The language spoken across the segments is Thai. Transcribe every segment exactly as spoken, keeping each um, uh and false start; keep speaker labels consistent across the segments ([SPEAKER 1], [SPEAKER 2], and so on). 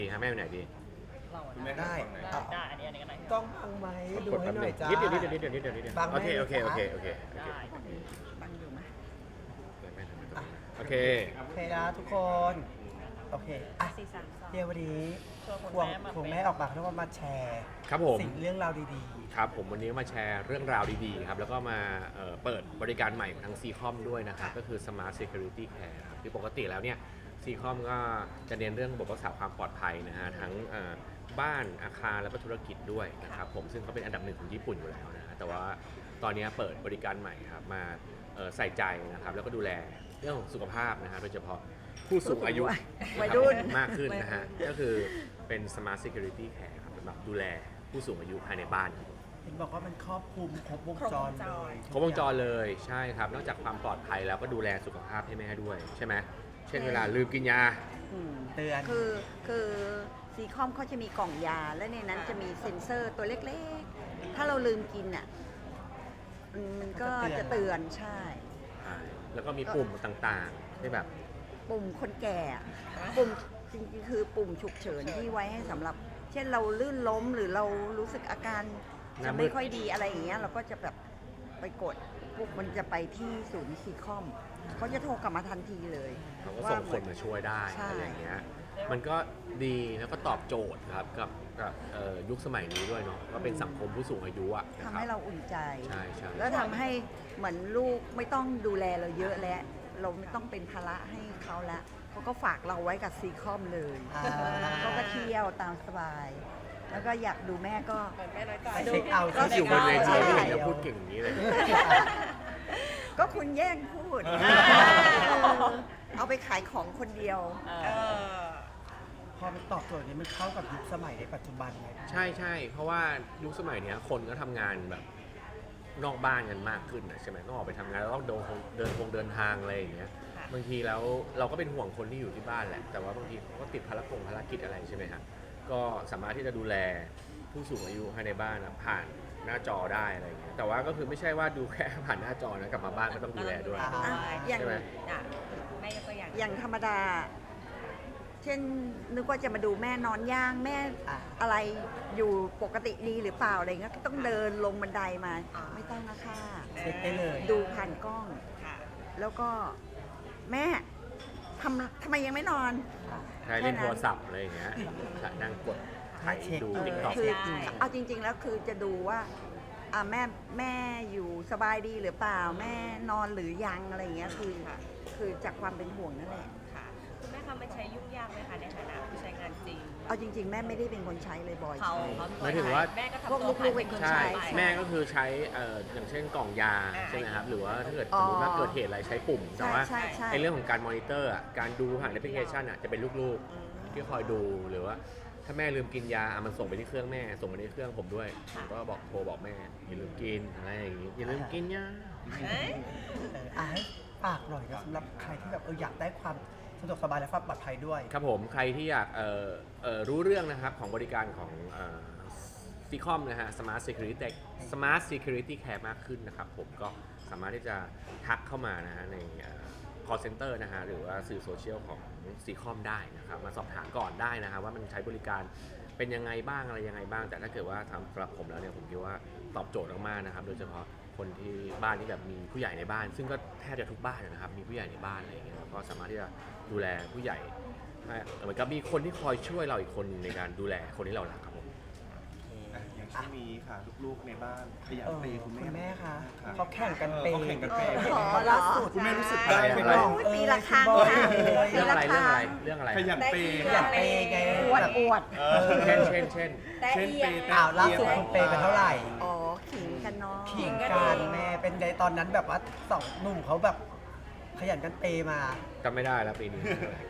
[SPEAKER 1] ดีครับแม่ไปไหนดี
[SPEAKER 2] ได้
[SPEAKER 3] ได้อันนี้อันนี้ก็ได้
[SPEAKER 2] ต้องบังไหมดูให้หน่อยจ้า
[SPEAKER 1] นิดเดียวนิดเดียวนิดเดียวนิดเดียวนิดเดียว
[SPEAKER 2] บังไหม
[SPEAKER 1] โอเคโอเคโอเคโอเค
[SPEAKER 3] ได้
[SPEAKER 4] บังอยู่ไหม
[SPEAKER 1] โอเค
[SPEAKER 2] โอเคนะทุกคน โอเคอ่ะ
[SPEAKER 3] สี่สามสอง
[SPEAKER 2] เดี๋ยววันนี้
[SPEAKER 3] ชวน
[SPEAKER 2] ควง
[SPEAKER 3] คุณแม่มา
[SPEAKER 2] ควง
[SPEAKER 3] เป็น
[SPEAKER 2] แม่ออกมาเขาเรียกว่ามาแชร์
[SPEAKER 1] ครับผม
[SPEAKER 2] สิ่งเรื่องราวดี
[SPEAKER 1] ครับผมวันนี้มาแชร์เรื่องราวดีๆครับแล้วก็มาเอ่อเปิดบริการใหม่ของทาง ซี คอม ด้วยนะครับก็คือ Smart Security Care ครับคือปกติแล้วเนี่ย ซี คอม ก็จะเน้นเรื่องระบบรักษาความปลอดภัยนะฮะทั้งเอ่อบ้านอาคารและก็ธุรกิจด้วยนะครับผมซึ่งเขาเป็นอันดับหนึ่งของญี่ปุ่นอยู่แล้วนะฮะแต่ว่าตอนนี้เปิดบริการใหม่ครับมาเอ่อใส่ใจนะครับแล้วก็ดูแลเรื่องของสุขภาพนะฮะโดยเฉพาะผู้สูงอายุ
[SPEAKER 4] วัยรุ่น
[SPEAKER 1] มากขึ้นนะฮะก็คือเป็น Smart Security Care ครับสำหรับดูแลผู้สูงอายุภายในบ้านครับ
[SPEAKER 2] ๆ เห็นบอกว่ามันครอบคลุมครบวงจรเลย
[SPEAKER 1] ครบวงจรเลยใช่ครับนอกจากความปลอดภัยแล้วก็ดูแลสุขภาพให้แม่ด้วยใช่ไหมเช่นเวลาลืมกินยา
[SPEAKER 4] อืม
[SPEAKER 2] เตือน
[SPEAKER 4] คือคือซีคอมเขาจะมีกล่องยา และในนั้นจะมีเซ็นเซอร์ตัวเล็กๆ ถ้าเราลืมกินอ่ะอืมมันก็จะเตือนใช่
[SPEAKER 1] ใช่แล้วก็มีปุ่มต่างๆที่แบบ
[SPEAKER 4] ปุ่มคนแก่อะปุ่มจริงๆคือปุ่มฉุกเฉินที่ไว้ให้สำหรับ เช่นเราลื่นล้มหรือเรารู้สึกอาการจะไม่ค่อยดีอะไรอย่างเงี้ยเราก็จะแบบไปกดปุ๊บมันจะไปที่ศูนย์ซีคอมเขาจะโทรกลับมาทันทีเลย
[SPEAKER 1] เขาก็ส่งคนมาช่วยได้
[SPEAKER 4] ใช่
[SPEAKER 1] อะไรอย่างเงี้ยมันก็ดีแล้วก็ตอบโจทย์ครับกับกับเอ่อยุคสมัยนี้ด้วยเนาะก็เป็นสังคมผู้สูงอายุอะนะ
[SPEAKER 4] ทำ
[SPEAKER 1] ครั
[SPEAKER 4] ให้
[SPEAKER 1] บ
[SPEAKER 4] เราอุ่นใจ
[SPEAKER 1] ใช่ใช่
[SPEAKER 4] แล้วทำให้เหมือนลูกไม่ต้องดูแลเราเยอะแล้ว เราไม่ต้องเป็นภาระให้เขาแล้วเขาก็ฝากเราไว้กับซีคอมเลย
[SPEAKER 2] อ่า
[SPEAKER 4] เขาก็เที่ยวตามสบาย แล้วก็อยากดูแม่ก็
[SPEAKER 3] แม่น้อยใจ
[SPEAKER 2] ไปเช็คเอาท์
[SPEAKER 1] ก็อยู่บนเวที
[SPEAKER 4] ใช่
[SPEAKER 1] ไม่เห็นจะพูดเก่งอย่างนี้เลย
[SPEAKER 4] ก็คุณแย่งพูด เอาไปขายของคนเดียว
[SPEAKER 3] เออ
[SPEAKER 2] พอมันตอบโจทย์นี้มันเข้ากับยุคสมัยในปัจจุบันไหม
[SPEAKER 1] ใช่ใช่เพราะว่ายุคสมัยเนี้ยคนก็ทำงานแบบนอกบ้านกันมากขึ้นนะใช่ไหมต้องออกไปทำงานแล้วต้องเดินคงเดินคงเดินทางอะไรอย่างเงี้ย
[SPEAKER 3] ค่ะ
[SPEAKER 1] บางทีแล้วเราก็เป็นห่วงคนที่อยู่ที่บ้านแหละแต่ว่าบางทีเขาก็ติดภารกงภารกิจอะไรใช่ไหมฮะก็สามารถที่จะดูแลผู้สูงอายุภายในบ้านนะผ่านหน้าจอได้อะไรอย่างเงี้ยแต่ว่าก็คือไม่ใช่ว่าดูแค่ผ่านหน้าจอนะกลับมาบ้านก็ต้องดูแลด้วย
[SPEAKER 2] อ่า
[SPEAKER 4] อ่ะอย่าง
[SPEAKER 1] ใช่ไหม
[SPEAKER 3] อ่ะแม่ยกตัวอย่าง
[SPEAKER 4] อย่างธรรมดา เช่นนึกว่าจะมาดูแม่นอนย่างแม่
[SPEAKER 2] อ่า
[SPEAKER 4] อะไรอยู่ปกติดีหรือเปล่าอะไรเงี้ยก็ต้องเดินลงบันไดมา ไม่ต้องนะคะ
[SPEAKER 2] เช็คได้เลย
[SPEAKER 4] ดูผ่านกล้อง
[SPEAKER 3] ค่ะ
[SPEAKER 4] แล้วก็แม่ทำทำไมยังไม่นอน
[SPEAKER 1] ใช้เล่นโทรศัพท์อะไรอย่างเงี้ยนั่งกดไถดู
[SPEAKER 4] เออ
[SPEAKER 1] ติ๊กต็อก
[SPEAKER 4] คือ
[SPEAKER 3] ใช่
[SPEAKER 4] เอาจริง ๆ แล้วคือจะดูว่าอ่าแม่แม่อยู่สบายดีหรือเปล่าแม่นอนหรือยังอะไรอย่างเงี้ยคือคือจากความเป็นห่วงนั่นแหละ
[SPEAKER 3] ค่ะคุณแม่คะมันใช้ยุ่งยากไหมคะในฐานะผู้ใช้งานจริง
[SPEAKER 4] เอาจริง ๆ แม่ไม่ได้เป็นคนใช้เลยบ่อย
[SPEAKER 3] เขา
[SPEAKER 4] ใช้
[SPEAKER 3] เขา
[SPEAKER 1] หมายถึงว่า
[SPEAKER 3] แม่ก็
[SPEAKER 4] พวก
[SPEAKER 3] ทำตัวผ่าน
[SPEAKER 4] ลูกๆเป็นคน
[SPEAKER 1] ใช่
[SPEAKER 4] ใช่
[SPEAKER 1] แม่ก็คือใช้เอ่ออย่างเช่นกล่องยา
[SPEAKER 3] อ่า
[SPEAKER 1] ใช่ไหมครับหรือว่าถ้าเกิด
[SPEAKER 4] อ๋
[SPEAKER 1] ส
[SPEAKER 4] อ
[SPEAKER 1] มมติว่าเกิดเหตุอะไรใช้ปุ่มแต่
[SPEAKER 4] ใช่
[SPEAKER 1] ว่า
[SPEAKER 4] ใช่ใช่
[SPEAKER 1] ในเรื่องของการมอนิเตอร์อ่ะการดูผ่านแอปพลิเคชันอ่ะจะเป็นลูกๆที่คอยดูหรือว่าถ้าแม่ลืมกินยาอ่ะมันส่งไปที่เครื่องแม่ส่งไปที่เครื่องผมด้วยผมก็บอกโทรบอกแม่อย่าลืมกินอะไรอย่างงี้อย่าลืมกินยา
[SPEAKER 3] เอ้ย
[SPEAKER 2] เอออ่ะให้ฝากหน่อยนะสำหรับใครที่แบบเอออยากได้ความสะดวกสบายและความปลอดภัยด้วย
[SPEAKER 1] ครับผมใครที่อยากเอ่อเอ่อรู้เรื่องนะครับของบริการของซีคอมนะฮะ Smart Security Smart Security Care มากขึ้นนะครับผมก็สามารถที่จะทักเข้ามานะฮะในเอ่อ call center นะฮะหรือว่าสื่อโซเชียลของซีคอมได้นะครับมาสอบถามก่อนได้นะครับว่ามันใช้บริการเป็นยังไงบ้างอะไรยังไงบ้าง แต่ถ้าเกิดว่าสำหรับผมแล้วเนี่ยผมคิดว่าตอบโจทย์มากๆนะครับโดยเฉพาะคนที่บ้านที่แบบมีผู้ใหญ่ในบ้าน ซึ่งก็แทบจะทุกบ้านนะครับมีผู้ใหญ่ในบ้านอะไรอย่างเงี้ยเราก็สามารถที่จะดูแลผู้ใหญ่ให้เหมือนกับมีคนที่คอยช่วยเราอีกคนหนึ่งในการดูแลคนที่เรารักครับผม
[SPEAKER 5] อ่ะอย่างช่วงนี้ค่ะลูกๆในบ้านขยัน
[SPEAKER 2] เออ
[SPEAKER 5] เปย์คุณแม่
[SPEAKER 2] คุณแม่คะ
[SPEAKER 5] รับ
[SPEAKER 2] เขาแข่งกันเปย์
[SPEAKER 5] เขาแข่งกันเปย์
[SPEAKER 4] ขอเหรอ
[SPEAKER 2] ล่าสุด
[SPEAKER 5] คุณแม่รู้สึก
[SPEAKER 1] ได้
[SPEAKER 5] ได้
[SPEAKER 1] ไหม
[SPEAKER 5] ไหม
[SPEAKER 4] โอ้ยปีละครั้งค่ะ
[SPEAKER 1] เรื่องอะไร
[SPEAKER 4] ปี
[SPEAKER 1] เรื่อง
[SPEAKER 4] ละ
[SPEAKER 1] อะไร
[SPEAKER 4] ครั้ง
[SPEAKER 1] เรื่องอะไร
[SPEAKER 5] ขยันเปย์
[SPEAKER 2] ขยันเปย์ไง
[SPEAKER 4] อวด
[SPEAKER 2] แบบ
[SPEAKER 4] อวด
[SPEAKER 5] เออ
[SPEAKER 1] เช่นเช่นเช่น
[SPEAKER 5] เช่นเปย์
[SPEAKER 2] อ้าวล่าสุดคุณเปย์ไปเท่าไหร่
[SPEAKER 4] อ๋อขิงกันเนาะ
[SPEAKER 2] ขิงกันแม่เป็นไงตอนนั้นแบบว่าสองหนุ่มเขาแบบขยันกันเปย์มา
[SPEAKER 1] จำไม่ได้แล้วปีนี้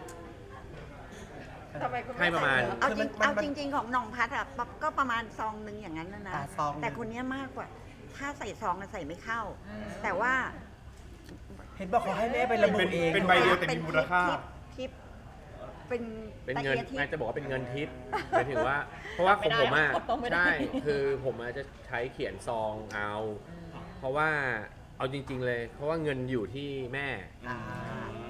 [SPEAKER 3] ทำไมคุณแม่
[SPEAKER 1] ให้ประมาณ
[SPEAKER 4] เอาจริง
[SPEAKER 2] คือมัน
[SPEAKER 4] เอาจริง ๆ ของน้องพัดอะปะก็ประมาณซองหนึ่งอย่างนั้นนะนะ
[SPEAKER 2] อ่าซองหนึ่ง
[SPEAKER 4] แต่คนเนี้ยมากกว่า ถ้าใส่ซองอะใส่ไม่เข้า แต่ว่า
[SPEAKER 2] เห็นบอกเขาให้แม่ไประบุเอง
[SPEAKER 5] เป็นใบเดียวแต่มีมูลค่า
[SPEAKER 4] ทิปเป็น
[SPEAKER 1] เป็นเงิน
[SPEAKER 4] ตะกียบทิป
[SPEAKER 1] น่าจะบอกว่าเป็นเงินทิปหมายถึงว่า เพราะว่าของผมอ่ะ
[SPEAKER 3] ไม่ได้
[SPEAKER 1] ใช่คือผมอาจจะใช้เขียนซองเอา เพราะว่าเอาจริง ๆ เลย เพราะว่าเงินอยู่ที่แม่
[SPEAKER 2] อ่า
[SPEAKER 1] ใช่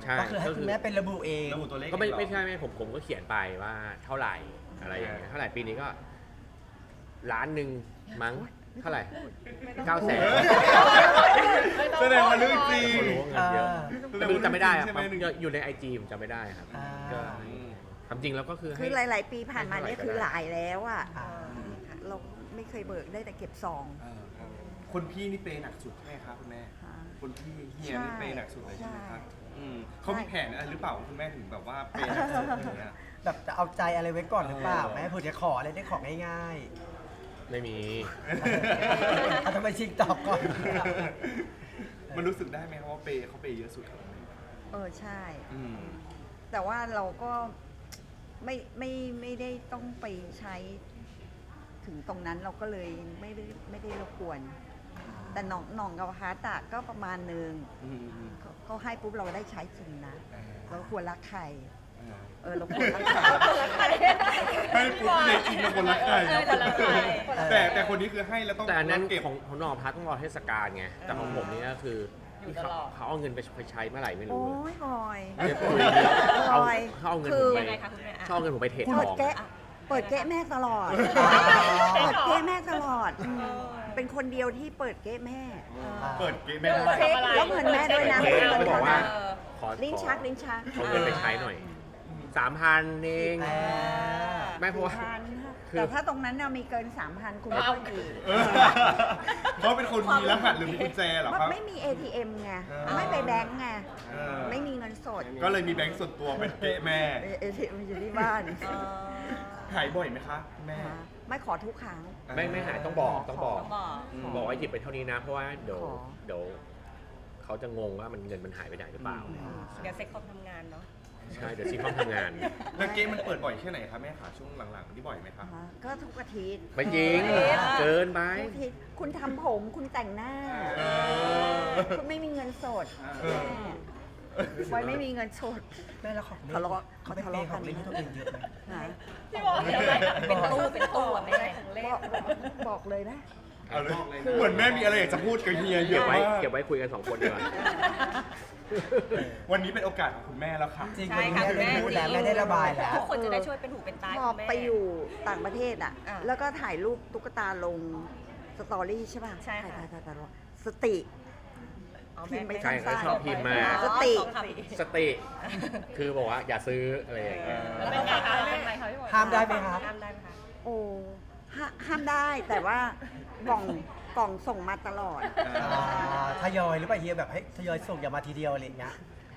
[SPEAKER 1] ช่
[SPEAKER 2] ก็คือให้คุณแม่เป็นระบุเอง
[SPEAKER 5] ระบุตัวเลข
[SPEAKER 1] ก็ไม่
[SPEAKER 5] เองเหรอ
[SPEAKER 1] ไม่ใช่ไม่ผมผมก็เขียนไปว่าเท่าไหร่อะไรอย่างเงี้ยเท่าไหร่ปีนี้ก็ล้านหนึ่งมั้งเท่าไหร่เก้าแสน
[SPEAKER 5] แสดงว่าเรื่องจริง
[SPEAKER 1] เขารู้ว่าเงินเยอะ
[SPEAKER 5] แสด
[SPEAKER 1] แต่
[SPEAKER 5] ง
[SPEAKER 1] ไม่
[SPEAKER 5] ว่า
[SPEAKER 1] รู้จำไม่ได้ครับ
[SPEAKER 5] ใช่ไหม
[SPEAKER 1] อยู่ในไอจีผมจำไม่ได้ครับ
[SPEAKER 2] อ่า
[SPEAKER 1] ก็ความจริงแล้วก็คือ
[SPEAKER 4] คือ
[SPEAKER 1] ให้
[SPEAKER 4] หลาย ๆ ปีผ่านมาเนี่ยคือหลายแล้วอ่ะ
[SPEAKER 2] อ่า
[SPEAKER 4] เราไม่เคยเบิกได้แต่เก็บซอง
[SPEAKER 5] เออครับคนพี่นี่เปย์หนักสุดใช่ไหมครับคุณแม่
[SPEAKER 4] ค่ะ
[SPEAKER 5] คนพี่เฮียนี่เปย์หนักสุดเลยใช่ไหมครับ
[SPEAKER 4] ใช่
[SPEAKER 5] อืมเขามีแผนอะไรหรือเปล่าคุณแม่ถึงแบบว่าเปย์หนักสุดอย่างเงี้ย
[SPEAKER 2] แบบจะเอาใจอะไรไว้ก่อนหรือเปล่า
[SPEAKER 5] เออ
[SPEAKER 2] แม่เผื่อจะขออะไรได้ของง่าย
[SPEAKER 1] ไม่มี
[SPEAKER 2] ๆเอาทำไมชิงตอบก่อน
[SPEAKER 5] มันรู้สึกได้ไหมครับว่าเปย์เขาเปย์เยอะสุดครับคุณแม่
[SPEAKER 4] เออใช่
[SPEAKER 5] อืม
[SPEAKER 4] แต่ว่าเราก็ไม่ไม่ไม่ได้ต้องไปใช้ถึงตรงนั้นเราก็เลยไม่ได้ไม่ได้รบกวน แต่หน่องหน่องกับฮาร์ตอะก็ประมาณหนึ่ง
[SPEAKER 5] อืมอืม
[SPEAKER 4] เขาเขาให้ปุ๊บเราได้ใช้จริงนะ เราควรรักใคร
[SPEAKER 5] เออ
[SPEAKER 4] เออเราควรรักใคร
[SPEAKER 5] ให้ปุ๊บเลยจริงนะคนรักใคร
[SPEAKER 3] เออคนรักใคร
[SPEAKER 5] แต่แต่คนนี้คือให้แล้วต้อง
[SPEAKER 1] แต่อันนั้น
[SPEAKER 5] เก็บ
[SPEAKER 1] ของของนองพัทต้องรอเทศกาลไงแต่ของผมนี่ก็คือ
[SPEAKER 3] อยู่
[SPEAKER 1] ที่
[SPEAKER 3] ต
[SPEAKER 1] เขา
[SPEAKER 3] ลอด
[SPEAKER 1] เขาเอาเงินไปใช้เมื่อไหร่ไม่
[SPEAKER 4] โอ้
[SPEAKER 1] รู้
[SPEAKER 4] ยบอย
[SPEAKER 1] เดี๋ยวคุยดีเอา
[SPEAKER 4] บอย
[SPEAKER 1] เขาเอาเงิน
[SPEAKER 4] คื
[SPEAKER 1] ผม
[SPEAKER 4] อ
[SPEAKER 1] ไป
[SPEAKER 3] ยังไงคะคุณแม่อะ
[SPEAKER 1] เขาเอาเงินผมไปเทรดท
[SPEAKER 4] เปิด
[SPEAKER 1] อง
[SPEAKER 4] แกะเปิดแกะแม่ตลอด เปิดเกะแม่ตลอดอืมเป็นคนเดียวที่เปิดเกะแม่
[SPEAKER 5] เปิดเกมไม่ได้
[SPEAKER 3] ทำอะไร
[SPEAKER 4] แล้วเงินแม่ด้วยนะ
[SPEAKER 1] เทรด
[SPEAKER 4] เงิน
[SPEAKER 1] เขาบอกว่า
[SPEAKER 3] เออ
[SPEAKER 1] ขอ
[SPEAKER 4] ลิ้นชักลิ้นชัก
[SPEAKER 1] ขอเงินไปใช้หน่อยสามพันเอง
[SPEAKER 2] อ่า
[SPEAKER 1] ไม่เพราะว่า
[SPEAKER 4] พัน
[SPEAKER 1] คือ
[SPEAKER 4] แต่ถ้าตรงนั้นน่ะมีเกินสามพันคุณไม่ต้องดี
[SPEAKER 5] เออเขาเป็นคนมีรหัสหรือมีกุญแจเหรอครับ
[SPEAKER 4] ไม่มี เอ ที เอ็ม ไง
[SPEAKER 5] เออ
[SPEAKER 4] ไม่ไปแบงก์ไง
[SPEAKER 5] เออ
[SPEAKER 4] ไม่มีเงินสด
[SPEAKER 5] ก็เลยมีแบงค์ส่วนตัวเป็นเกะแม่
[SPEAKER 4] เอ ที เอ็ม อยู่ที่บ้าน
[SPEAKER 3] เออ
[SPEAKER 5] หายบ่อยไหมคะแม่
[SPEAKER 4] ไม่ขอทุกครั้ง
[SPEAKER 1] ไม่ไม่หายต้องบอกต้องบอก
[SPEAKER 3] ต้องบอก
[SPEAKER 5] อืม
[SPEAKER 1] บอกว่าหยิบไปเท่านี้นะ เพราะว่าเดี๋ยว
[SPEAKER 4] ขอ
[SPEAKER 1] เดี๋ยวเขาจะงงว่ามันเงินมันหายไปไหนหรือเปล่า
[SPEAKER 3] เดี๋ยวเซ็กคอมทำงานเนาะ
[SPEAKER 1] ใช่เดี๋ยวซีคอมทำงาน
[SPEAKER 5] แล้วเกมมันเปิดบ่อยแค่ไหนคะแม่คะช่วงหลังๆนี่บ่อยไหมคะ
[SPEAKER 4] อ่าก็ทุกอาทิตย์
[SPEAKER 1] ไม่จริง เกินไป
[SPEAKER 4] ทุกอาทิตย์คุณทำผมคุณแต่งหน้า
[SPEAKER 5] เออ
[SPEAKER 4] คุณไม่มีเงินสด
[SPEAKER 5] เออ
[SPEAKER 4] แม่บอยไม่มีเงินสด
[SPEAKER 2] แม่แล้วของเล่น
[SPEAKER 4] ทะเลาะ
[SPEAKER 2] เขาไป
[SPEAKER 4] ทะ
[SPEAKER 2] เป
[SPEAKER 4] เลาะ
[SPEAKER 2] ย์ของเล่น
[SPEAKER 4] กัน
[SPEAKER 2] ให้ตัวเองเยอะไหม
[SPEAKER 4] นะ
[SPEAKER 3] พี่บอกเดี๋ยวอะไรเป็นตู้เป็นตู้อะไม่ใช่ของเล่น
[SPEAKER 4] บอกบอกเลยนะ
[SPEAKER 5] เอาเลยเหมือนแม่มีอะไรอยากจะพูดกับเฮียเย
[SPEAKER 1] เก็บ
[SPEAKER 5] อะ
[SPEAKER 1] ไว้
[SPEAKER 5] มาก
[SPEAKER 1] เก็บไว้คุยกันสองคนดีกว่า
[SPEAKER 5] วันนี้เป็นโอกาสของคุณแม่แล้วค่ะ
[SPEAKER 2] จริง
[SPEAKER 3] ใช่
[SPEAKER 2] วันนี้
[SPEAKER 3] ค่ะ
[SPEAKER 2] แม่ได้พูดแล้วแม่ได้ระบายแล้ว
[SPEAKER 3] ทุกคนจะได้ช่วยเป็นหูเป็นตา
[SPEAKER 4] พอ
[SPEAKER 3] คุณแม่
[SPEAKER 4] ไปอยู่ต่างประเทศอ่ะ
[SPEAKER 3] อ่ะ
[SPEAKER 4] แล้วก็ถ่ายรูปตุ๊กตาลงสตอรี่ใช่ป่ะ
[SPEAKER 3] ใช่ค่ะ
[SPEAKER 4] ถ่ายถ่ายถ่ายถ่ายสติ
[SPEAKER 3] อ๋อ
[SPEAKER 4] พิมพ์ไป
[SPEAKER 1] ใช่เขาชอบพิมพ์มา
[SPEAKER 3] อ๋อ
[SPEAKER 4] สติ
[SPEAKER 3] สองคำ
[SPEAKER 1] สติ คือบอกว่าอย่าซื้ออะไรอย่างเงี้ย
[SPEAKER 3] แล้วเป็นไงคะเป็นไงคะพี่บอย
[SPEAKER 2] ห้ามได้ไหมครับ
[SPEAKER 3] ห้ามได้ไหมคะ
[SPEAKER 4] โอ้ห้าห้ามได้แต่ว่ากล่องกล่องส่งมาตลอด
[SPEAKER 2] อ่าทยอยหรือเปล่าเฮียแบบให้ทยอยส่งอย่ามาทีเดียวอะไรอย่างเงี้ย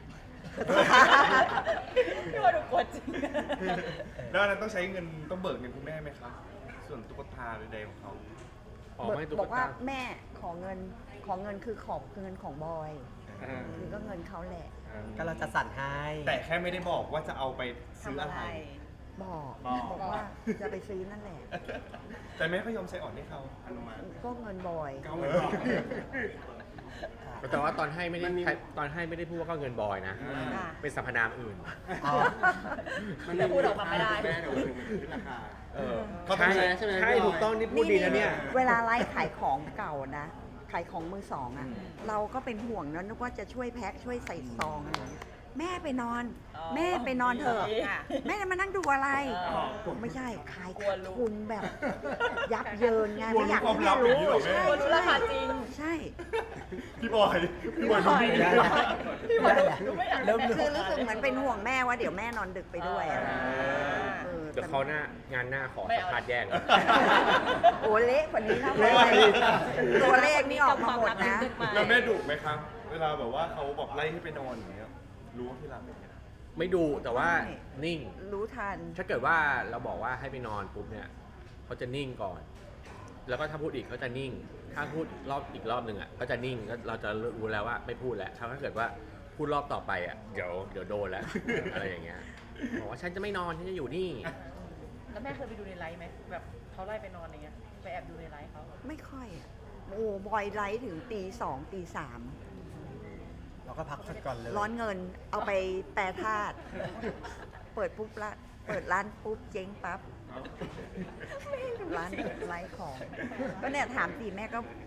[SPEAKER 3] พี่บอยดูกลัวจริง
[SPEAKER 5] แล้วอันนั้นต้องใช้เงินต้องเบิกเงินคุณแม่ไหมคะส่วนตุ๊กตาใดๆของเขา
[SPEAKER 1] อ๋อไม่ตุ๊
[SPEAKER 4] บอก กว่า
[SPEAKER 1] ตา
[SPEAKER 4] แม่ขอเงินขอเงินคือขอบเงินของบอยคือก็เงินเขาแหละ
[SPEAKER 2] ก็เราจะสั่นให้
[SPEAKER 5] แต่แค่ไม่ได้บอกว่าจะเอาไปซื้อ
[SPEAKER 3] ทำ
[SPEAKER 5] อะ
[SPEAKER 3] อะไร ไร
[SPEAKER 4] บอก
[SPEAKER 5] บอก
[SPEAKER 4] บอกว่าจะไปซื้อนั่นแหละ
[SPEAKER 5] แต่แม่ก็ยอมใช้อ่อนให้เขาอนุมัติ
[SPEAKER 4] ก็เงินบอย
[SPEAKER 5] เก้าหมื่นบาท
[SPEAKER 1] แต่ว่าตอนให้ไม่ได้ตอนให้ไม่ได้พูดว่าก็เงินบอยนะ
[SPEAKER 3] ค่ะ
[SPEAKER 1] เป็นสรรพนามอื่น
[SPEAKER 2] อ๋อ
[SPEAKER 3] จะพูดออกมาไม่ได้
[SPEAKER 1] เออ
[SPEAKER 5] เขาต้อง
[SPEAKER 1] ใช่
[SPEAKER 5] ใช้ใช่ไหม
[SPEAKER 1] ใช่ถูกต้องนี่พูดดีนะเนี่ย
[SPEAKER 4] เวลาไลฟ์ขายของเก่านะ ขายของมือสองอ่ะ เราก็เป็นห่วงนะนึกว่าจะช่วยแพ็คช่วยใส่ซองอะไรอย่างเงี้ยแม่ไปนอน
[SPEAKER 3] อ๋อ
[SPEAKER 4] แม่ไปนอนเถอะ
[SPEAKER 3] ค่ะ
[SPEAKER 4] แม่จะมานั่งดูอะไร
[SPEAKER 3] อ๋อ
[SPEAKER 4] ผมไม่ใช่ขาย
[SPEAKER 3] กลัว
[SPEAKER 4] ขาด
[SPEAKER 3] รู้
[SPEAKER 4] ทุนแบบ ยับเยินไง
[SPEAKER 5] กลัว
[SPEAKER 4] ไม่อยาก
[SPEAKER 5] รู้
[SPEAKER 4] ให้
[SPEAKER 5] ความลั
[SPEAKER 4] แม่
[SPEAKER 5] บอย่างนี้
[SPEAKER 4] รู้
[SPEAKER 5] เหรอแม่
[SPEAKER 4] ใช่
[SPEAKER 3] กลัวรู้ราคาจริง
[SPEAKER 4] ใช่
[SPEAKER 5] พี่บอยพี่บอยรู้ดี
[SPEAKER 2] ได้
[SPEAKER 5] นะ
[SPEAKER 2] แล้ว
[SPEAKER 3] พี่บอย
[SPEAKER 2] ได้แล้ว
[SPEAKER 3] ดูไม่อยาก
[SPEAKER 2] เริ่ม
[SPEAKER 4] คือรู้สึกเหมือนเป็นห่วงแม่ว่าเดี๋ยวแม่นอนดึกไปด้วยอะเออ
[SPEAKER 1] เดี๋ยวเขาหน้างานหน้าขอ
[SPEAKER 3] ไม่
[SPEAKER 1] สัม
[SPEAKER 3] เอา
[SPEAKER 1] ภาษณ์แยกเลย
[SPEAKER 4] โอ้เละกว่านี้นะ
[SPEAKER 5] เละ
[SPEAKER 4] ตัวเลขนี่ออกมาหมดนะ
[SPEAKER 5] แล้วแม่ดุไหมครับ เวลาแบบว่าเขาบอกไล่ให้ไปนอนอย่างเงี้ยรู้ว่าพี่รับเป็นไง
[SPEAKER 1] ไม่ดูแต่ว่านิ่ง
[SPEAKER 4] รู้ทัน
[SPEAKER 1] ถ้าเกิดว่าเราบอกว่าให้ไปนอนปุ๊บเนี่ยเขาจะนิ่งก่อน แล้วก็ถ้าพูดอีกเขาจะนิ่ง ถ้าพูดรอบอีกรอบหนึ่งอ่ะก็จะนิ่งก็เราจะรู้แล้วว่าไม่พูดแล้วถ้าเกิดว่าพูดรอบต่อไปอ่ะเดี๋ยวเดี๋ยวโดนแล้ว อะไรอย่างเงี้ยบอกว่าฉันจะไม่นอนฉันจะอยู่นี่
[SPEAKER 3] แล้วแม่เคยไปดูในไลฟ์ไหมแบบเขาไล่ไปนอนอย่างเงี้ยไปแอบดูในไลฟ์เขา
[SPEAKER 4] ไม่ค่อยอะโอ้บอยไลท์ถึงตีสองตีสาม
[SPEAKER 2] เราก็พักสักก่อนเลย
[SPEAKER 4] ร้อนเงินเอาไปแปรธาตุเปิดปุ๊บละเปิดร้านปุ๊บเจ๊งปั๊บร้านไลท์ของ ก็เนี่ยถามตีแม่ก็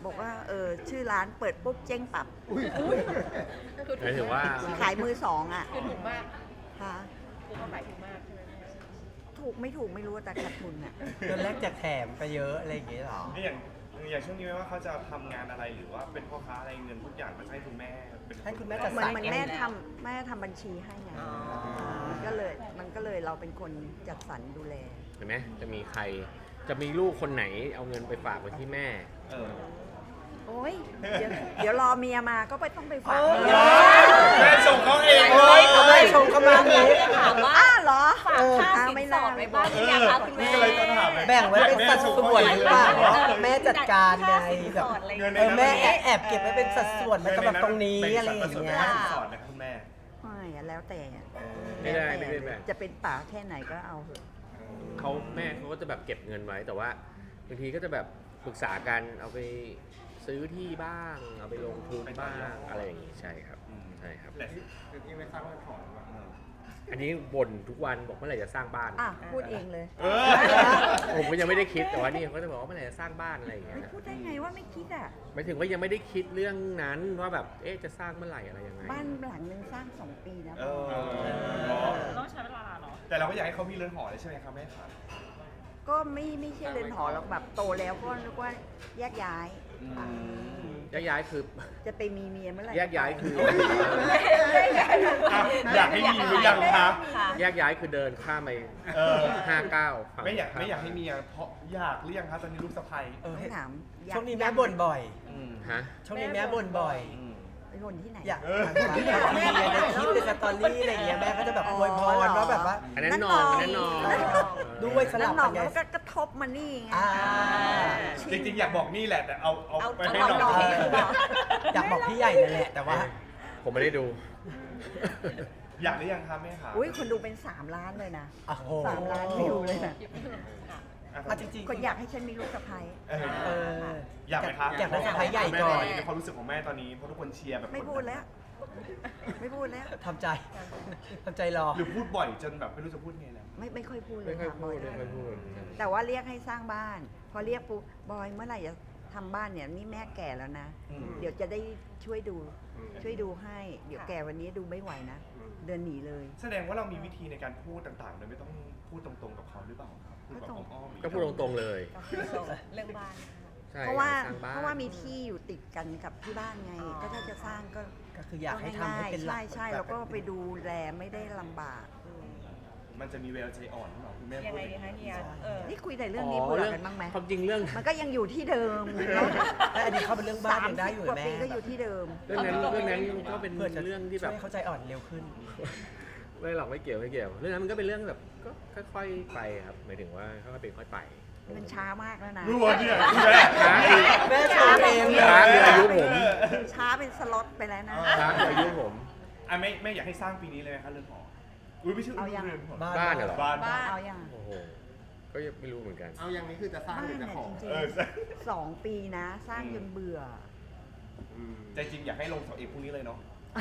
[SPEAKER 4] บอกว่าเออชื่อร้านเปิดปุ๊บเจ๊งปับ
[SPEAKER 1] หมายถึงว่า
[SPEAKER 4] ขายมือสองอ่ะ
[SPEAKER 3] คือถูกมาก
[SPEAKER 4] ค่ะ
[SPEAKER 3] คือเขาขายถูกมากใช่ไหมแม่
[SPEAKER 4] ถูกไม่ถูกไม่รู้แต่ขาดทุนอ่ะ
[SPEAKER 2] เงินแรกแจกแถมไปเยอะอะไรอย่างเงี้ยเหรอ
[SPEAKER 5] นี่อย่างอย่างช่วงนี้ไหมว่าเขาจะทำงานอะไรหรือว่าเป็นพ่อค้าอะไรเงินทุกอย่างมันให้คุณแม่เป็น
[SPEAKER 2] ให้คุณแม่จัด
[SPEAKER 4] เหมื
[SPEAKER 2] ส
[SPEAKER 4] อ
[SPEAKER 2] ร
[SPEAKER 4] น
[SPEAKER 2] ร
[SPEAKER 4] เหมือนแม่ทำแม่ทำบัญชีให้ไงมันก็เลยมันก็เลยเราเป็นคนจัดสรรดูแล
[SPEAKER 1] เห็นไหมจะมีใครจะมีลูกคนไหนเอาเงินไปฝากไว้ที่แม่
[SPEAKER 5] เออ
[SPEAKER 4] โอ้ยเดี๋ยวเดี๋ยวรอเมียมาก็ไปต้องไปฝาก
[SPEAKER 2] เออ
[SPEAKER 4] เมีย
[SPEAKER 5] แม่ส่งเขาเอง
[SPEAKER 2] โอ้ยเขาไม่ชงเขามาอย่างนี้
[SPEAKER 6] ถามว่า
[SPEAKER 4] อ้าเหรอ
[SPEAKER 6] ฝากค่า
[SPEAKER 4] อ่
[SPEAKER 6] สิน
[SPEAKER 4] ไม่
[SPEAKER 6] ส
[SPEAKER 4] น่า
[SPEAKER 6] อดไว้บ้างห
[SPEAKER 5] เอ
[SPEAKER 6] รือ
[SPEAKER 5] อ
[SPEAKER 6] ยังคะคุณแม่
[SPEAKER 5] นี่ก็เลยจะถามเลย
[SPEAKER 2] แบ่งไว้เป็นสัดส่วนหรือเปล่าว่าแม่จัดการไงแบบ
[SPEAKER 5] เงินใน
[SPEAKER 2] เออ
[SPEAKER 5] นั้น
[SPEAKER 2] แม่แอบเก็บไว้เป็นสัดส่วนมันก็แบบตรงนี้อะไรอย่าง
[SPEAKER 5] เป็นสัดส่วน
[SPEAKER 2] เงี้ย
[SPEAKER 5] ค่าสินสอดนะครับคุณแม่
[SPEAKER 4] ไม่อะแล้วแต่อะ
[SPEAKER 1] ไม่ได้
[SPEAKER 4] แล้ว
[SPEAKER 1] ไม่
[SPEAKER 4] แต่
[SPEAKER 1] ได้แบ่ง
[SPEAKER 4] จะเป็นป่าแค่ไหนก็เอาเถอะ
[SPEAKER 1] เขาแม่เขาก็จะแบบเก็บเงินไว้แต่ว่าบางทีก็จะแบบปรึกษากันเอาไปซื้อที่บ้าง เอาไปลงทุนบ้างอะไรอย่างงี้ใช่ครับ
[SPEAKER 5] อืม
[SPEAKER 1] ใช่ครับ
[SPEAKER 5] แต่ที่คือที่ไม่สร้างบ้านของแบบเออ
[SPEAKER 1] อันนี้บ่นทุกวันบอกเมื่อไหร่จะสร้างบ้าน
[SPEAKER 4] อ่ะพูดเองเลย
[SPEAKER 5] เออ
[SPEAKER 1] ผมก็ยังไม่ได้คิดแต่ว่านี่เขาจะบอกว่าเมื่อไหร่จะสร้างบ้านอะไรอย่างเงี้ย
[SPEAKER 4] ไม่
[SPEAKER 1] นะ
[SPEAKER 4] พูดได้ไงว่าไม่คิดอ่ะ
[SPEAKER 1] หมายถึงว่ายังไม่ได้คิดเรื่องนั้นว่าแบบเอ๊ะจะสร้างเมื่อไหร่อะไรยังไง
[SPEAKER 4] บ้านหลังหนึ่งสร้างสองปีนะ
[SPEAKER 5] เออ
[SPEAKER 3] ต้องใช้เวลาเนาะ
[SPEAKER 5] แต่เราก็อยากให้เขามีเรือนหอเลยใช่ไหมครับแม่ครับ
[SPEAKER 4] ก็ไม่ไม่ใช่เรือนหอหรอกแบบโตแล้วก็นึกว่าแยกย้าย
[SPEAKER 1] แยกย้ายคือ
[SPEAKER 4] จะไปมีเมียเมื่อไหร่
[SPEAKER 1] แยกย้ายคือ
[SPEAKER 5] อ่ะอยากให้มีหรือยังคะ
[SPEAKER 6] ค่ะ
[SPEAKER 1] แยกย้ายคือเดินข้ามไป
[SPEAKER 5] เออ
[SPEAKER 1] ห้าเก้าฝั่ง
[SPEAKER 5] ไม่อยากไม่อยากให้มีอ่ะเพราะอยากหรือยังครับตอนนี้ลูกสะใภ้
[SPEAKER 2] เออ
[SPEAKER 4] ต้องถามอยาก
[SPEAKER 2] ช่วงนี้แม่บ่นบ่อย
[SPEAKER 5] อืม
[SPEAKER 1] ฮะ
[SPEAKER 2] ช่วงนี้แม่บ่นบ่อย
[SPEAKER 5] อืม
[SPEAKER 4] ไปคนที่ไหน
[SPEAKER 2] อยาก
[SPEAKER 5] เออ
[SPEAKER 2] ถามที่แบบมีในคลิปในสตอรี่อะไรอย่างเงี้ยแม่ก็จะแบบอวยพรว่าแบบว่า
[SPEAKER 1] อันนั้นนองอันนั้นนอง
[SPEAKER 4] นั่นนอง
[SPEAKER 2] ด้วยส
[SPEAKER 4] นั่
[SPEAKER 2] ลั
[SPEAKER 4] น
[SPEAKER 2] บ
[SPEAKER 4] หนอ
[SPEAKER 2] กั
[SPEAKER 4] ก
[SPEAKER 2] นไง
[SPEAKER 4] แล้วก็กระทบมานี่ไง
[SPEAKER 2] อ่า
[SPEAKER 5] จริงๆอยากบอกนี่แหละแต่เอาเอา
[SPEAKER 6] เอา
[SPEAKER 5] ไป
[SPEAKER 6] เอา
[SPEAKER 5] ให้
[SPEAKER 6] เอา
[SPEAKER 5] น้อง
[SPEAKER 6] น้อง
[SPEAKER 2] เอออยากบอกพี่ใหญ่นั่นแหละแต่ว่า
[SPEAKER 1] ผมไม่ได้ดู
[SPEAKER 5] อยากหรือยังครับแม่ครับ
[SPEAKER 4] อุ้ยคนดูเป็นสามล้านเลยนะ
[SPEAKER 2] โอ้โห
[SPEAKER 4] สามล้านวิวเลยนะ
[SPEAKER 5] อ่ะ
[SPEAKER 2] อ่ะจริงๆ
[SPEAKER 4] คนอยากให้ฉันมีลูกสะใภ้
[SPEAKER 5] เออ
[SPEAKER 2] เออ
[SPEAKER 5] อยากไหมครับ
[SPEAKER 2] อยากได้สะใภ้ใหญ่ก่อน
[SPEAKER 5] แม่ในความรู้สึกของแม่ตอนนี้เพราะทุกคนเชียร์แบบ
[SPEAKER 4] ไม่พูดแล้ว ไม่พูดแล้ว
[SPEAKER 2] ทำใจทำใจรอ
[SPEAKER 5] หรือพูดบ่อยจนแบบไม่รู้จะพูดไงแล้ว
[SPEAKER 4] ไม่ไม่ค่อยพูดเล
[SPEAKER 1] ไม่
[SPEAKER 4] ย
[SPEAKER 1] ค่อย
[SPEAKER 4] ค่ะ
[SPEAKER 1] พู
[SPEAKER 4] บอ
[SPEAKER 1] ด
[SPEAKER 4] ย
[SPEAKER 1] ไม่ค่อยพูด
[SPEAKER 4] แต่ว่าเรียกให้สร้างบ้าน พอเรียกปุ๊บบอยเมื่อไหร่จะทำบ้านเนี่ยนี่แม่แก่แล้วนะ
[SPEAKER 5] อืม
[SPEAKER 4] เดี๋ยวจะได้ช่วยดู ช่วยดูให้ เดี๋ยวแก่วันนี้ดูไม่ไหวนะ เดินหนีเลย
[SPEAKER 5] แสดงว่าเรามีวิธีในการพูดต่างๆโดยไม่ต้องพูดตรงๆกับเขาหรือเปล่าครับพูดแบบอ้อมๆหรือ
[SPEAKER 1] ก็พูดตรงๆเลย
[SPEAKER 6] เรื่องบ้าน
[SPEAKER 1] ใช่
[SPEAKER 4] เพราะว่า
[SPEAKER 1] สร้างบ้น
[SPEAKER 4] เพราะว่ามีที่อยู่ติดกันกับที่บ้านไง ก็ถ้าจะสร้างก็
[SPEAKER 2] ก็คืออยากให้ทำให้เป็นหลั
[SPEAKER 4] ใช่
[SPEAKER 2] ก
[SPEAKER 4] ใช่แล้วก็ไปดูแลไม่ได้ลำบาก
[SPEAKER 5] มันจะมีแววใจอ่อนหรือเปล่าคุณแม่
[SPEAKER 6] ยัง
[SPEAKER 5] พูด
[SPEAKER 6] ไงดีคะเฮียเออ
[SPEAKER 4] นี่คุยแต่เรื่องนี้เบื่อกันบ้างไหม
[SPEAKER 1] ความจริงเรื่อง
[SPEAKER 4] มันก็ยังอยู่ที่เดิมเนาะ
[SPEAKER 2] แต่อันนี้เขาเป็นเรื่องบ้าน
[SPEAKER 4] สาม
[SPEAKER 2] ยังได้
[SPEAKER 4] สิบ
[SPEAKER 2] อยู่
[SPEAKER 4] กว่า
[SPEAKER 2] แม่
[SPEAKER 4] ปีก็อยู่ที่เดิม
[SPEAKER 1] เรื่องนั้นเรื่องนั้นก็เป็น
[SPEAKER 2] เพื่อจะ
[SPEAKER 1] เรื่องที่แบบ
[SPEAKER 2] ช่วยเขาใจอ่อนเร็วขึ้น
[SPEAKER 1] ไม่หรอกไม่เกี่ยวไม่เกี่ยว เรื่องนั้นมันก็เป็นเรื่องแบบก็ค่อยๆไปครับหมายถึงว่าค่อยๆเป็นค่อยไป
[SPEAKER 4] มันช้ามากแล้วนะ
[SPEAKER 5] รู้ว่าเนี่ยคุณแม่
[SPEAKER 1] ช้าคือ
[SPEAKER 2] แม่ชมเองเลย
[SPEAKER 1] ช้าคืออายุผม
[SPEAKER 4] ช้าเป็นสล็อตไปแล้วนะ
[SPEAKER 1] ช้าคืออายุผม
[SPEAKER 5] อ่ะไม่ไม่อยากให้สร้างปีนี้เลยไหมครับเรือนหออุ้ยไม่ใช่
[SPEAKER 4] เอายัง
[SPEAKER 5] เรือนหอ
[SPEAKER 1] บ้านเหรอ
[SPEAKER 5] บ้าน
[SPEAKER 6] บ้าน
[SPEAKER 4] เอาอย่าง
[SPEAKER 1] โอ้โหก็ยังไม่รู้เหมือนกัน
[SPEAKER 7] เอาอย่างนี้คือจะสร้าง
[SPEAKER 4] บ้าน
[SPEAKER 7] หรือจะ
[SPEAKER 4] เนี่ย
[SPEAKER 7] ขอ
[SPEAKER 4] จริง
[SPEAKER 5] เออใช่
[SPEAKER 4] ๆสองปีนะ สร้างจนเบื่อ
[SPEAKER 5] ใจจริงอยากให้ลงเสาเอกพรุ่งนี้เลยเนาะ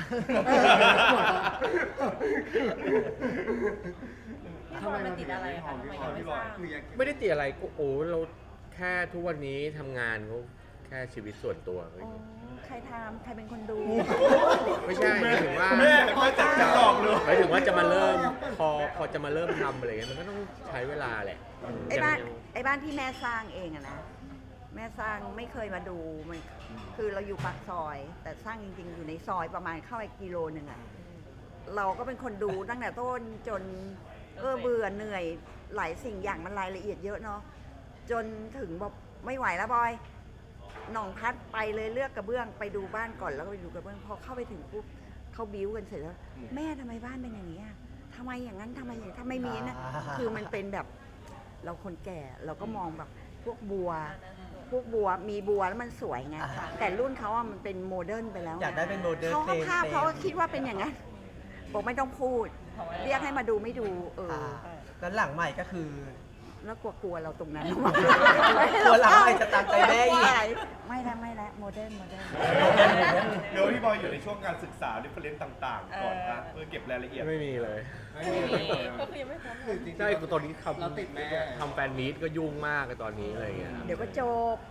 [SPEAKER 6] ทำไมมันติดอะไรคะทำไมยังไม่สร้าง
[SPEAKER 7] คืออยาก
[SPEAKER 1] ไม่ได้ติดอะไรก็โอ้เราแค่ทุกวันนี้ทำงานเขาแค่ชีวิตส่วนตัวเฮ้ย
[SPEAKER 4] อ๋อ ใครทำใครเป็นคนดู
[SPEAKER 1] ไม่ใช่หมายถึงว่า
[SPEAKER 5] แม่แม่จัดจะหลอกเลย
[SPEAKER 1] หมายถึงว่าจะมาเริ่มพอพอจะมาเริ่มทำอะไรเงี้ยมันก็ต้องใช้เวลาแหละ
[SPEAKER 4] ไอ้บ้าน
[SPEAKER 1] ยัง
[SPEAKER 4] ไอ้บ้านที่แม่สร้างเองอะนะ แม่สร้างไม่เคยมาดูมันคือเราอยู่ปากซอย แต่สร้างจริง ๆ อยู่ในซอยประมาณเข้าไปกิโลหนึ่งอะเราก็เป็นคนดูตั้งแต่ต้นจนเออเบื่อเหนื่อยหลายสิ่งอย่างมันรายละเอียดเยอะเนาะจนถึงบอกไม่ไหวแล้วบอยหน่องพัดไปเลยเลือกกระเบื้องไปดูบ้านก่อนแล้วก็ไปดูกระเบื้องพอเข้าไปถึงปุ๊บเขาบิ้วกันเสร็จแล้วแม่ทำไมบ้านเป็นอย่างนี้อะทำไมอย่างนั้นทำไมอย่างนี้ทำไมมีนะ
[SPEAKER 2] อ่า
[SPEAKER 4] คือมันเป็นแบบเราคนแก่เราก็มองแบบพวกบัว พวกบัวมีบัวแล้วมันสวยไง
[SPEAKER 2] อ่า
[SPEAKER 4] แต่รุ่นเขาอะมันเป็นโมเดิร์นไปแล้ว
[SPEAKER 2] อยากได้เป็นโมเดิร์น
[SPEAKER 4] เขา
[SPEAKER 2] เฟรม
[SPEAKER 4] ภาพเขาก็คิดว่าเป็นอย่างนั้นบอกไม่ต้องพูด เรียกให้มาดูไม่ดู เออ
[SPEAKER 2] อ่าแล้วหลังใหม่ก็คือ
[SPEAKER 4] แล้วกลัวๆเราตรงนั้น
[SPEAKER 2] กลัวหลังใหม่จะตามใจแม่อีก
[SPEAKER 4] ไม่แล้วไม่แล้วโมเดิร์นโมเดิร์น
[SPEAKER 5] เดี๋ยวพี่บอยอยู่ในช่วงการศึกษาดิเฟเรนต์ต่างๆ ก่อนนะเพื่อเก็บรายละเอียด
[SPEAKER 1] ไม่มีเลย
[SPEAKER 7] ไม่
[SPEAKER 6] ไม่
[SPEAKER 7] มี
[SPEAKER 6] มีก็คือยังไม่พร้อม
[SPEAKER 7] คือจริงๆ
[SPEAKER 1] ใช่คือตอนนี้ทำ
[SPEAKER 7] เราติดแม่
[SPEAKER 1] ทำแฟนมีตก็ยุ่งมากเลยตอนนี้อะไรเงี้ย
[SPEAKER 4] เดี๋ยวก็จบ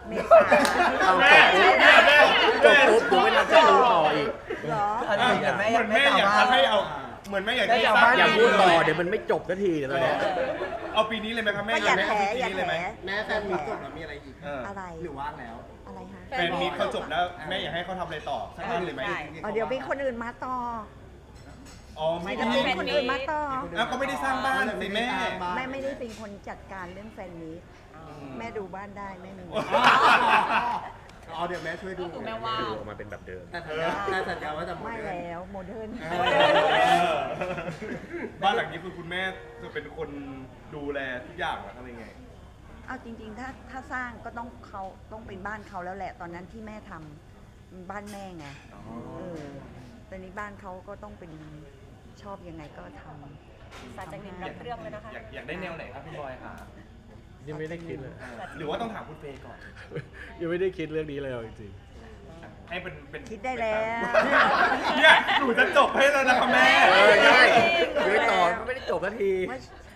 [SPEAKER 4] เมษา
[SPEAKER 1] เอาจบปุ๊บจบปุ๊บดูไม่ทันจะรู้ต่ออีก
[SPEAKER 4] เหรอ
[SPEAKER 2] อะไรอย่างเงี้ยแม่
[SPEAKER 5] เหมือนแม่อยากจะให้เอาเหมือนแม่อยากให้สร้าง
[SPEAKER 1] อย่าพูดต่อเดี๋ยวมันไม่จบสักทีเดี๋ยวตอนเนี้ย
[SPEAKER 5] เอาปีนี้เลยไหมครับแม่
[SPEAKER 4] ก็อย่า
[SPEAKER 5] ให้
[SPEAKER 4] แถ
[SPEAKER 5] เอาปี
[SPEAKER 4] อย่า
[SPEAKER 5] นี้
[SPEAKER 4] แถ
[SPEAKER 5] เลยไหม
[SPEAKER 7] แม่แฟนมีจบแล้วมีอะไรอีก
[SPEAKER 5] เออ
[SPEAKER 4] อะไร
[SPEAKER 7] หรือว่างแล้ว
[SPEAKER 4] อะไรฮะ
[SPEAKER 5] แฟนมีเขาจบแล้วแม่อยากให้เขาทำอะไรต่อสักเรื่องเลยไหม
[SPEAKER 6] ใช่
[SPEAKER 4] อ๋อเดี๋ยวมีคนอื่นมาต่อ
[SPEAKER 5] อ๋อไม่
[SPEAKER 4] จะ
[SPEAKER 5] ได้
[SPEAKER 4] มีคนอื่นมาต่อ
[SPEAKER 5] แล้วก็ไม่ได้สร้างบ้านสิแม่
[SPEAKER 4] แม่ไม่ได้เป็นคนจัดการเรื่องแฟนนี้ แม่ดูบ้านได้ไม่มี
[SPEAKER 7] อ๋อเดี๋ยวแม่ช่วยดู
[SPEAKER 6] ก็คือแม่ว่า
[SPEAKER 1] ดูออกมาเป็นแบบเดิม
[SPEAKER 7] แต่สัญญาแต่สัญญาว่าจะ
[SPEAKER 4] ไม่แล้วโมเดิร์น
[SPEAKER 5] เออบ้านหลังนี้คือคุณแม่จะเป็นคนดูแลทุกอย่างเหรออะไรไง
[SPEAKER 4] เอาจริง ๆ ถ้าถ้าสร้างก็ต้องเขาต้องเป็นบ้านเขาแล้วแหละ ตอนนั้นที่แม่ทำบ้านแม่ไงเออตอนนี้บ้านเขาก็ต้องเป็นชอบยังไงก็ทำ
[SPEAKER 6] สาจากนินรับเรื่องเลยนะคะ
[SPEAKER 5] อยากอยากได้แนวไหนครับพี่บอยคะ
[SPEAKER 1] ยังไม่ได้คิดเลย
[SPEAKER 5] หรือว่าต้องถามคุณเฟย์ก่อน
[SPEAKER 1] ยังไม่ได้คิดเรื่องนี้เลยเอาจริง
[SPEAKER 5] ให้เป็นเป็น
[SPEAKER 4] คิดได้แล้ว
[SPEAKER 5] เนี่ยหนูจะจบให้แล้วนะคะแม่
[SPEAKER 1] ๆเออใช่ยังไม่ต่อไม่ได้จบสักที
[SPEAKER 4] ไม่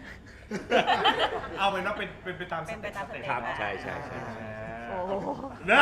[SPEAKER 5] เอาเป็นว่าเป็นเป็นไปตามส
[SPEAKER 6] เป็นไป
[SPEAKER 5] เต็ป
[SPEAKER 6] ตามส
[SPEAKER 5] สเต็ป
[SPEAKER 6] เต็ป
[SPEAKER 1] ครับใช่ใช่ใช่
[SPEAKER 4] โอ้โห
[SPEAKER 5] นะ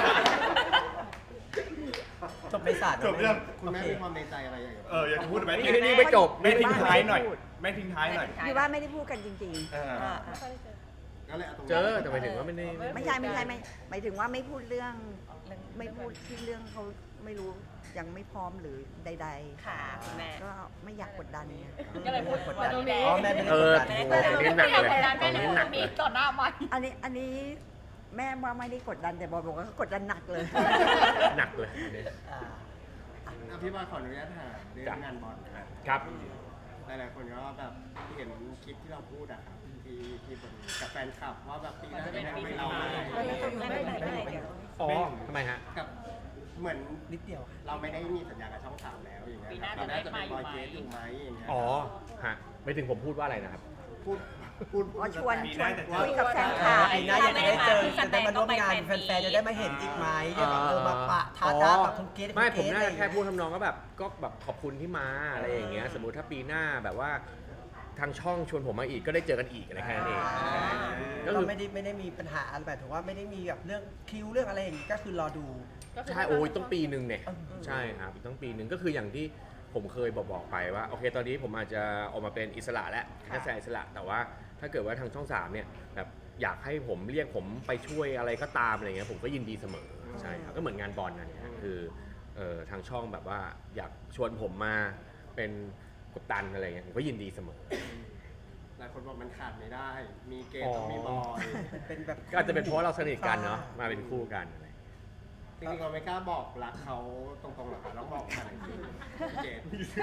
[SPEAKER 2] จบไปศาสตร์
[SPEAKER 5] จบเรื่อง
[SPEAKER 7] คุณแม่มีความในใจอะไรอย่างเงี้ย
[SPEAKER 5] เอออยากจะพูดไหม
[SPEAKER 1] นี่นี่ไม่จบ
[SPEAKER 5] แม่ทิ้งท้ายหน่อยแม่ทิ้งท้ายหน่อย
[SPEAKER 4] อยู่ว่าไม่ได้พูดกันจริง
[SPEAKER 5] เออ
[SPEAKER 6] อ่า
[SPEAKER 7] ก็เลยเอาตรง
[SPEAKER 1] เจอแต่หมายถึงว่าไม่ได้
[SPEAKER 4] ๆ ไม่ใช่ไม่ใช่ไม่หมายถึงว่าไม่พูดเรื่อง ไม่พูดที่เรื่องเขาไม่รู้ยังไม่พร้อมหรือใด
[SPEAKER 6] ค่ะคุณแม่
[SPEAKER 4] ๆ ก็ไม่อยากกดดันไง
[SPEAKER 6] ก็เลยพูดว่าตรงนี้
[SPEAKER 2] อ๋อแม่ไม่ได้
[SPEAKER 1] เอก
[SPEAKER 2] ด
[SPEAKER 1] อ
[SPEAKER 2] ดัน
[SPEAKER 1] โอ้โหตรงนี้หนักเลย
[SPEAKER 6] แม่
[SPEAKER 1] ตรง
[SPEAKER 6] ไม่
[SPEAKER 1] นี้
[SPEAKER 6] ได้
[SPEAKER 1] หนัก
[SPEAKER 6] มี
[SPEAKER 1] เลย
[SPEAKER 6] ต่อหน้ามัน
[SPEAKER 4] อันนี้อันนี้แม่ว่าไม่ได้กดดันแต่บอยบอกว่าเขากดดันหนักเลย
[SPEAKER 1] หนักเลยอันนี้
[SPEAKER 2] อ่า
[SPEAKER 7] อ่ะพี่บอยขออนุญาตถามเรื่องงานบอลนะครับ
[SPEAKER 1] ครับ
[SPEAKER 7] หลายๆคนก็แบบเห็นคลิปที่เราพูดอะครับที่ที่บนกับแฟนคลับว่าแบบปีหน้าจะไม่ทำให้เราอะไร
[SPEAKER 6] ไม่ไม่ไม่ไม่ไม่
[SPEAKER 1] อ๋อทำไมฮะ
[SPEAKER 7] กับเหมือน
[SPEAKER 2] นิดเดียวค่ะ
[SPEAKER 7] เราไม่ได้มีสัญญากับช่องสามแล้วอย่างเงี้ย
[SPEAKER 6] ปีหน้า
[SPEAKER 7] ครับ
[SPEAKER 6] จะ
[SPEAKER 7] เรา
[SPEAKER 6] ได้
[SPEAKER 7] น่าจะเป็นบอย
[SPEAKER 6] มาอยู่ไหม
[SPEAKER 7] เกสอยู่ไหมอย่างเงี้ย
[SPEAKER 1] อ๋อฮะไม่ถึงผมพูดว่าอะไรนะครับ
[SPEAKER 7] พูดพูด
[SPEAKER 4] อ๋อชวน
[SPEAKER 5] ปี
[SPEAKER 4] ช
[SPEAKER 5] ห
[SPEAKER 4] ว
[SPEAKER 5] น้าน จะเจอ
[SPEAKER 4] คุยกับแฟนคลับ
[SPEAKER 2] ปีหน้าอยากจะได้เจอจะได้มาร่วมงานแฟนๆจะได้มาเห็นอีกไหมจะแบบเออมาปะทาทากับคุณเกด
[SPEAKER 1] ไม่ผม
[SPEAKER 2] คุณเก
[SPEAKER 1] น่า
[SPEAKER 2] ด
[SPEAKER 1] จะแค่พูดทำนองก็แบบก็แบบขอบคุณที่มาอะไรอย่างเงี้ยสมมุติถ้าปีหน้าแบบว่าทางช่องชวนผมมาอีกก็ได้เจอกันอีกอะไรแค่นั้นเองก็
[SPEAKER 2] เรา
[SPEAKER 1] คือ
[SPEAKER 2] ไม่ได้ไม่ได้มีปัญหาอะไรแบบถือว่าไม่ได้มีแบบเรื่องคิวเรื่องอะไรอย่างงี้ก็คือรอดู
[SPEAKER 1] ใช่โอ้ยต้องปีหนึ่งเนี่ย
[SPEAKER 2] อืม
[SPEAKER 1] ใช่ครับอีกต้องปีหนึ่งก็คืออย่างที่ผมเคยบอกบอกไปว่าโอเคตอนนี้ผมอาจจะออกมาเป็นอิสระแล้วนักแสดงอิสระแต่ว่าถ้าเกิดว่าทางช่องสามเนี่ยแบบอยากให้ผมเรียกผมไปช่วยอะไรก็ตามอะไรเงี้ยผมก็ยินดีเสมอใช่ครับก็เหมือนงานบอลนะเนี่ยคือเอ่อทางช่องแบบว่าอยากชวนผมมาเป็นกัปตันอะไรเงี้ยผมก็ยินดีเสมอ
[SPEAKER 7] หลายคนบอกมันขาดไม่ได้ มีเกสต้องมีบอย
[SPEAKER 2] เป็นแบบ
[SPEAKER 1] ก็อาจจะเป็นเพราะเราสนิทกันเนาะมาเป็นคู่กันอะไร
[SPEAKER 7] จริงๆเราไม่กล้าบอกรักเขาตรงๆหรอกค่ะต้องบอกผ่านอีกทีพี่เกส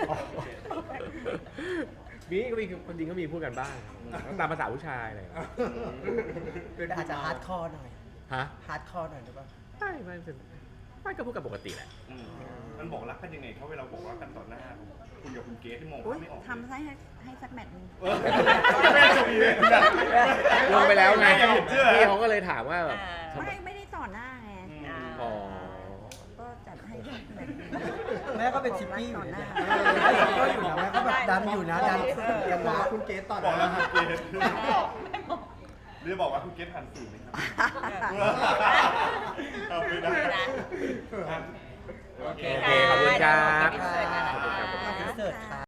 [SPEAKER 1] มีก็มีคนจริงก็มีพูดกันบ้างตามภาษาผู้ชายอะไรอย่างเงี้ย
[SPEAKER 2] แต่อาจจะฮาร์ดคอร์หน่อย
[SPEAKER 1] ฮะ
[SPEAKER 2] ฮาร์ดคอร์หน่อยหรือเปล่า
[SPEAKER 1] ไม่ไม่เป็นไม่ก็พูดกันปกติแหละ
[SPEAKER 5] อืมมันบอกรักกันยังไงเขาเวลาบอกรักกันต่อหน้าคุณกับคุณเกสที่มอง
[SPEAKER 4] อุ๊ย
[SPEAKER 5] ไม่ออก
[SPEAKER 4] ทำให้ให้สักแมตช์หนึง
[SPEAKER 5] เออแม่จะมีเลยนะ
[SPEAKER 1] ลงไปแล้วไง
[SPEAKER 5] ยังเห็นเชื่อ
[SPEAKER 1] พี่เขาก็เลยถามว่าแบบ
[SPEAKER 6] อ่า
[SPEAKER 1] ทำไม
[SPEAKER 4] ไม่ไม่ได้ต่อหน้าไง
[SPEAKER 6] อ่า
[SPEAKER 1] อ๋อ
[SPEAKER 4] ก็จัดให้สักแมตช์หนึ่ง
[SPEAKER 2] แม่ก็เป็นชิปปี้อยู่นะ
[SPEAKER 4] ต่อหน้า
[SPEAKER 2] ก็อยู่นะแม่ก็แบบดันอยู่นะดันกัน
[SPEAKER 7] บอก
[SPEAKER 2] นะ
[SPEAKER 7] ว่าคุณเกสต่อ
[SPEAKER 5] บอกแล้ว
[SPEAKER 7] นะ
[SPEAKER 5] คุณเกสหรือบอกว่าคุณเกสผ่านสื่อไหมครับเอาไม่ได้อ่ะโอเค
[SPEAKER 1] โอเคขอบคุณครับ
[SPEAKER 6] เดี๋ยวอินเสิร์ตกันนะคะ
[SPEAKER 1] ขอบคุณครับ
[SPEAKER 2] อินเสิร์ตค่ะ